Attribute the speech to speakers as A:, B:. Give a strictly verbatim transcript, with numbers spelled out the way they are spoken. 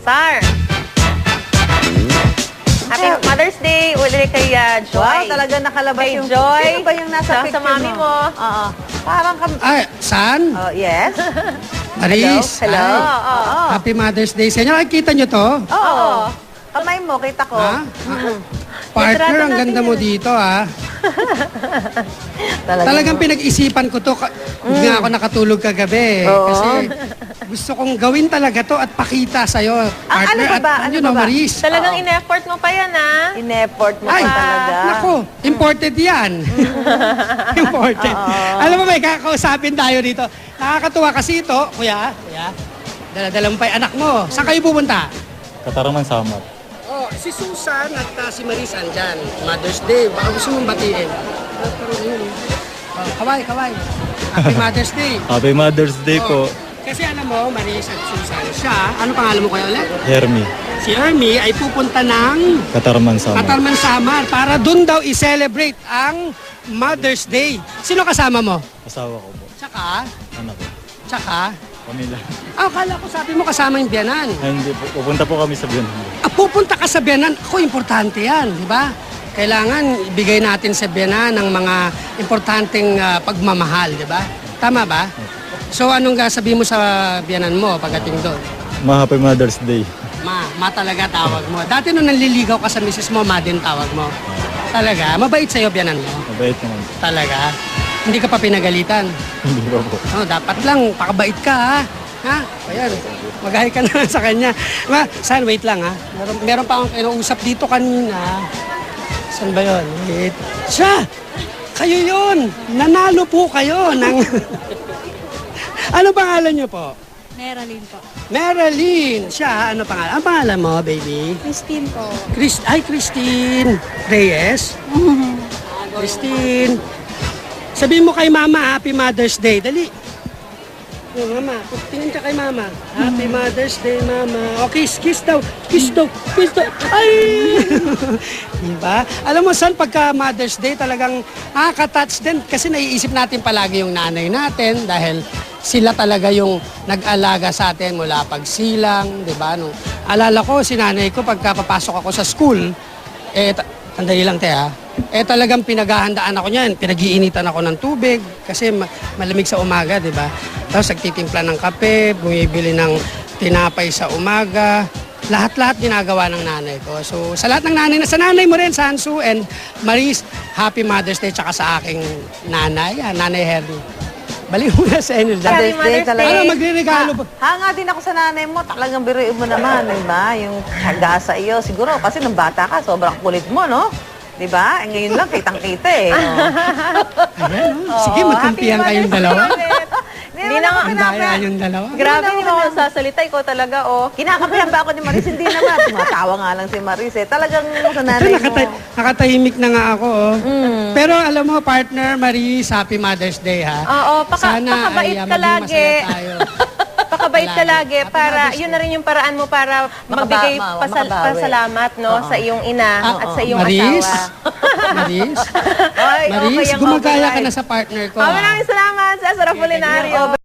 A: Star. Happy Mother's Day ulit kay uh, Joy.
B: Wow, talaga nakalabas
A: Kay
B: yung...
A: Joy.
B: Sino ba yung nasa
A: Sa- sa
B: picture
A: mami mo.
B: Oo. Parang kam...
C: Ay, saan?
B: Oh, yes?
C: Maris.
A: Hello.
C: Ay,
A: Oo.
C: Happy Mother's Day sa inyo. Nakikita nyo to?
B: Oo. Kamay mo, kita ko.
C: Ha? Partner, ang ganda mo dito, ha?
B: Talaga.
C: Talagang pinag-isipan ko to. Ka- Hindi nga ako nakatulog kagabi.
B: Oo.
C: Kasi gusto kong gawin talaga to at pakita sa'yo.
B: Ang ano ba ba?
C: At
B: Ano
C: yun,
B: ba
C: oh,
B: ba?
C: Maris.
A: Talagang
B: Oo.
A: in-effort mo pa yan, ah.
B: In-effort mo
C: Ay,
B: pa talaga.
C: Nako, imported yan. Imported. Alam mo, may kakausapin tayo dito. Nakakatuwa kasi ito, kuya, kuya, dala-dala mo pa yung anak mo. Saan kayo pupunta?
D: Katarungan Samar.
C: Oh, si Susan at uh, si Maris andyan. Mother's Day. Baka gusto mong batiin. Oh, kaway, kaway. Happy Mother's Day.
D: Happy Mother's Day po,
C: Oh, kasi alam mo, Maris at Susan, siya, ano pangalan mo kayo ulit?
D: Hermie.
C: Si Ermi ay pupunta ng
D: Katarungan Samar.
C: Katarman Samar para dun daw i-celebrate ang Mother's Day. Sino kasama mo?
D: Asawa ko po.
C: Tsaka,
D: Anak ko.
C: tsaka,
D: Pamilya.
C: ah, kala ko sabi mo kasama yung biyanan.
D: Ay, hindi po. Pupunta po kami sa Biyanan.
C: Ah, pupunta ka sa biyanan. Ako, importante yan, di ba? Kailangan ibigay natin sa biyanan ng mga importanteng ah, pagmamahal, di ba? Tama ba? So, anong sabihin mo sa biyanan mo pagdating doon?
D: Ma, Happy Mother's Day.
C: Ma, ma talaga tawag mo. Dati nung nanliligaw ka sa misis mo, ma din tawag mo. Talaga? Mabait sa'yo biyanan mo?
D: Mabait naman.
C: Talaga? Hindi ka pa pinagalitan?
D: Hindi ba po?
C: Oh, dapat lang, pakabait ka ha. Ha? Ayan, mag-hi ka na sa kanya. Ma, saan, wait lang ha. Meron, meron pa akong kinausap dito kanina. Saan ba yun? Wait. Siya! Kayo yun! Nanalo po kayo ng... Ano pangalan niyo po?
E: Meralyn po.
C: Marilyn! Siya, ano pangalan? Ang pangalan mo, baby?
E: Christine po.
C: Chris, ay, Christine Reyes. Christine. Sabihin mo kay Mama, Happy Mother's Day. Dali. Oh, Mama, tingin ka kay Mama. Happy Mother's Day, Mama. O, kiss, kiss daw. Kiss daw. Kiss daw. Ay! Diba? Alam mo, saan pagka Mother's Day talagang nakaka-touch din kasi naiisip natin palagi yung nanay natin dahil sila talaga yung nag-alaga sa atin mula pagsilang, di ba? Nung alala ko, si nanay ko, pagka papasok ako sa school, eh, ta- sandali lang, te, ha? Eh, talagang pinaghahandaan ako niyan. Pinag-iinitan ako ng tubig kasi ma- malamig sa umaga, di ba? Tapos nagtitimpla ng kape, bumibili ng tinapay sa umaga. Lahat-lahat ginagawa ng nanay ko. So, sa lahat ng nanay, sa nanay mo rin, sa Hansu and Maris, Happy Mother's Day, tsaka sa aking nanay, ah, Nanay Hernie. Balik mo na sa inyo dyan.
A: Happy
B: Mother's Day
A: Mother's
B: talaga.
A: Day.
C: Ano, magre-regalo ba?
B: Ha, hanga din ako sa nanay mo. Talagang biruin mo naman, di ba? Yung hanga sa iyo. Siguro, kasi nung bata ka, sobrang kulit mo, no? Di ba? Eh, ngayon lang, kitang-kita eh. Oh.
C: Ayan, oh. Sige,
B: Oo,
C: magkampihan
B: happy
C: kayong dalawa.
A: Hindi na nga.
C: Ang daya yung dalawa.
A: Grabe, hindi mo ako sasalita. Ikaw talaga, oh.
B: Kinakapihan ba ako ni Maris? Hindi naman. Tumatawa nga lang si Maris eh. Talagang sa
C: Ito,
B: nanay mo.
C: nakata- nakatahimik na nga ako. Oh. Pero alam mo, partner, Maris, Happy Mother's Day, ha?
A: Oo, paka,
C: Sana
A: pakabait
C: ay, ah,
A: ka
C: maging
A: lagi.
C: masaya tayo.
A: Pakabait ka lagi
C: Happy
A: para,
C: Mother's
A: yun na rin yung paraan mo para magbigay
B: ma-
A: pasal-
B: makabawi.
A: pasalamat, no,
B: Oo.
A: sa iyong ina
C: Ah,
A: at sa iyong
C: Maris,
A: asawa.
C: Maris,
B: Ay,
C: Maris,
B: okay ang
C: gumagaya ka
B: override.
C: na sa partner ko.
A: Oh,
C: ah.
A: maraming salamat sa Sarah Polinario.